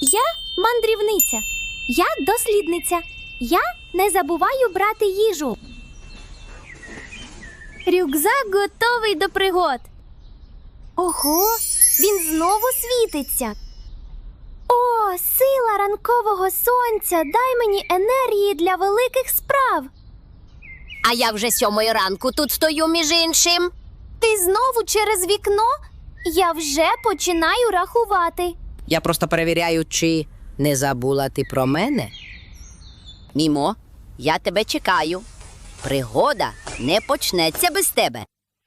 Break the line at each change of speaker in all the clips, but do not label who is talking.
Я мандрівниця. Я дослідниця. Я не забуваю брати їжу. Рюкзак готовий до пригод. Ого, він знову світиться. О, сила ранкового сонця, дай мені енергії для великих справ.
А я вже 7:00 ранку тут стою, між іншим.
Ти знову через вікно? Я вже починаю рахувати.
Я просто перевіряю, чи не забула ти про мене. Мімо, я тебе чекаю. Пригода не почнеться без тебе.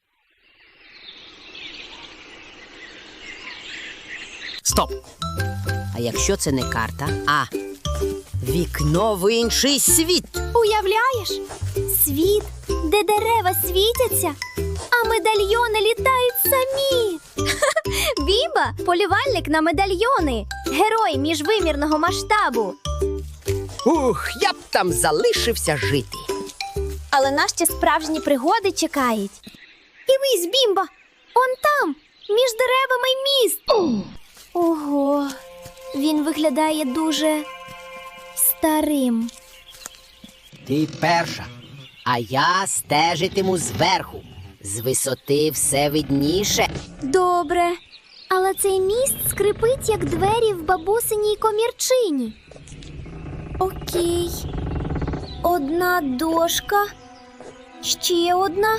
Стоп!
А якщо це не карта, а вікно в інший світ?
Уявляєш? Світ, де дерева світяться, а медальйони літають самі. Бімба – полювальник на медальйони, герой міжвимірного масштабу.
Ух, я б там залишився жити.
Але нас ще справжні пригоди чекають. Дивись, Бімба, он там, між деревами міст. Ого, він виглядає дуже старим.
Ти перша, а я стежитиму зверху. З висоти все видніше.
Добре, але цей міст скрипить, як двері в бабусиній комірчині. Окей. Одна дошка. Ще одна.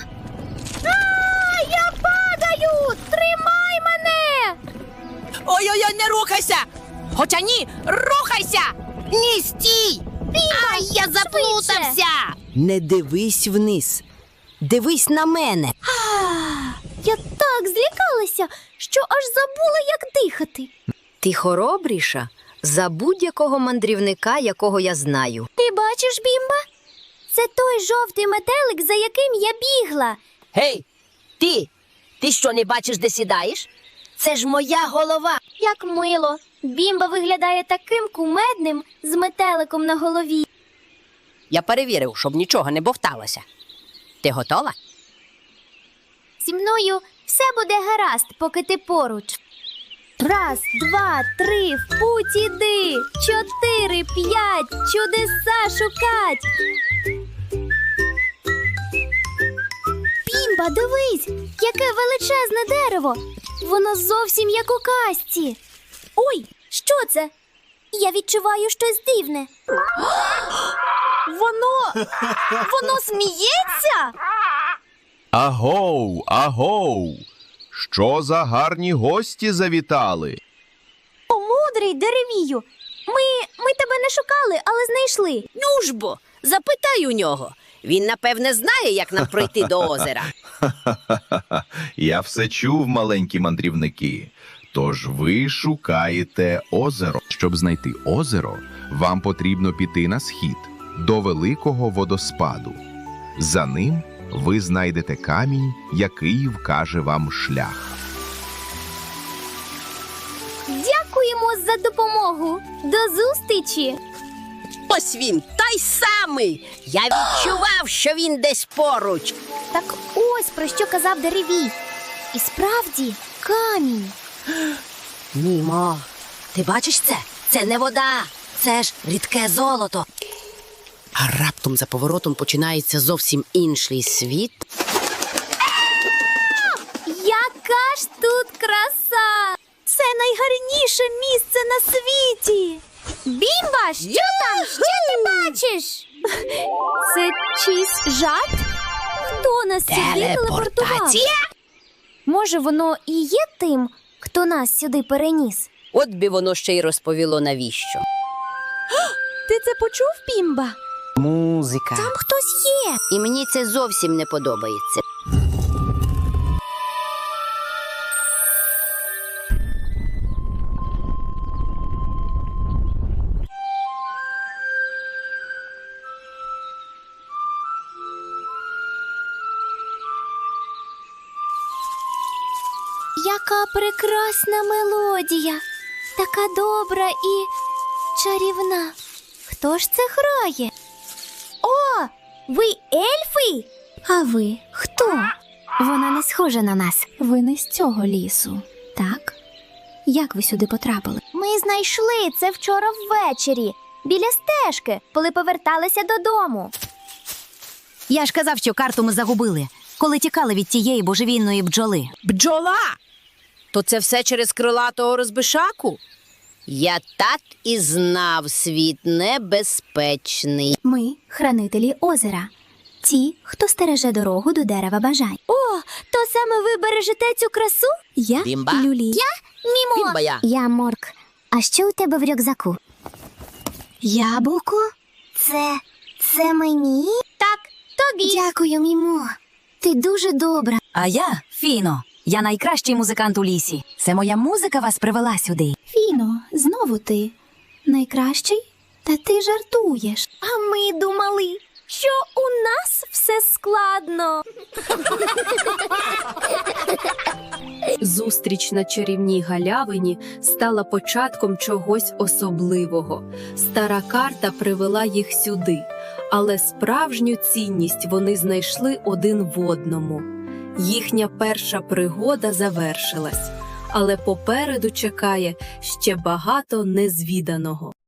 Я падаю! Тримай мене!
Ой-ой-ой, не рухайся! Хоча ні, рухайся!
Ні, стій!
Ай,
я заплутався! Не дивись вниз. Дивись на мене.
Я так злякалася, що аж забула, як дихати.
Ти хоробріша за будь-якого мандрівника, якого я знаю.
Ти бачиш, Бімба? Це той жовтий метелик, за яким я бігла.
Гей, ти! Ти що, не бачиш, де сідаєш? Це ж моя голова.
Як мило. Бімба виглядає таким кумедним з метеликом на голові.
Я перевірив, щоб нічого не бовталося. Ти готова?
Зі мною все буде гаразд, поки ти поруч. 1, 2, 3, в путь іди. 4, 5, чудеса шукать. Бімба, дивись, яке величезне дерево. Воно зовсім як у казці. Ой, що це? Я відчуваю щось дивне. Воно сміється?
Агоу, агоу! Що за гарні гості завітали?
О, мудрий деревію. Ми тебе не шукали, але знайшли.
Ну ж бо, запитай у нього. Він, напевне, знає, як нам пройти до озера.
Я все чув, маленькі мандрівники. Тож ви шукаєте озеро. Щоб знайти озеро, вам потрібно піти на схід, до великого водоспаду. За ним ви знайдете камінь, який вкаже вам шлях.
Дякуємо за допомогу. До зустрічі.
Ось він, той самий. Я відчував, що він десь поруч.
Так ось про що казав деревій. І справді, камінь.
Мімо, ти бачиш це? Це не вода, це ж рідке золото. А раптом за поворотом починається зовсім інший світ.
Яка ж тут краса! Це найгарніше місце на світі. Бімба, що там? Що ти бачиш? Це чийсь жарт? Хто нас сюди телепортував?
Телепортація?
Може, воно і є тим, хто нас сюди переніс?
От би воно ще й розповіло, навіщо.
Ти це почув, Бімба?
Музика.
Там хтось є.
І мені це зовсім не подобається.
Яка прекрасна мелодія, така добра і чарівна. Хто ж це грає? О, ви ельфи? А ви хто? Вона не схожа на нас. Ви не з цього лісу, так? Як ви сюди потрапили? Ми знайшли це вчора ввечері, біля стежки, коли поверталися додому.
Я ж казав, що карту ми загубили, коли тікали від тієї божевільної бджоли.
Бджола! То це все через крилатого розбишаку?
Я так і знав, світ небезпечний.
Ми – хранителі озера. Ті, хто стереже дорогу до дерева бажань. О, то саме ви бережете цю красу? Я
Бімба.
Люлі. Я Мімо.
Бімба я.
Я Морк. А що у тебе в рюкзаку? Яблуко? Це мені? Так, тобі. Дякую, Мімо. Ти дуже добра.
А я Фіно. Я найкращий музикант у лісі. Це моя музика вас привела сюди.
Фіно, знову ти. Найкращий? Та ти жартуєш. А ми думали, що у нас все складно.
Зустріч на чарівній галявині стала початком чогось особливого. Стара карта привела їх сюди, але справжню цінність вони знайшли один в одному. Їхня перша пригода завершилась, але попереду чекає ще багато незвіданого.